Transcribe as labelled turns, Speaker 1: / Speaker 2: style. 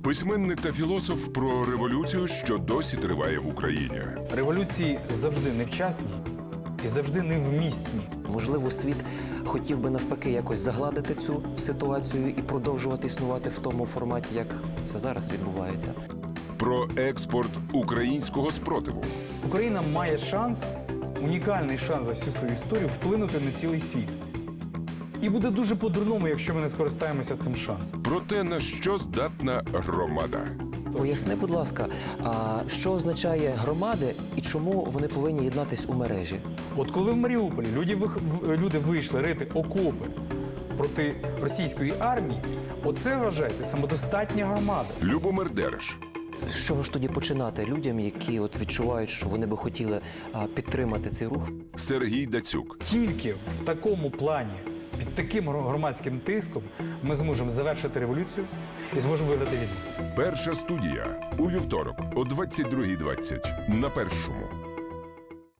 Speaker 1: Письменник та філософ про революцію, що досі триває в Україні.
Speaker 2: Революції завжди невчасні і завжди невмісні.
Speaker 3: Можливо, світ хотів би навпаки якось загладити цю ситуацію і продовжувати існувати в тому форматі, як це зараз відбувається.
Speaker 1: Про експорт українського спротиву.
Speaker 2: Україна має шанс, унікальний шанс за всю свою історію вплинути на цілий світ. І буде дуже по-дурному, якщо ми не скористаємося цим шансом.
Speaker 1: Про те, на що здатна громада.
Speaker 3: Поясни, будь ласка, а що означає громади і чому вони повинні єднатись у мережі?
Speaker 2: От коли в Маріуполі люди вийшли рити окопи проти російської армії, оце, вважайте, самодостатня громада.
Speaker 1: Любомир Дереш.
Speaker 3: З чого ж тоді починати людям, які от відчувають, що вони би хотіли підтримати цей рух?
Speaker 1: Сергій Дацюк.
Speaker 2: Тільки в такому плані, під таким громадським тиском ми зможемо завершити революцію і зможемо виграти війну.
Speaker 1: Перша студія. У вівторок о 22:20 на Першому.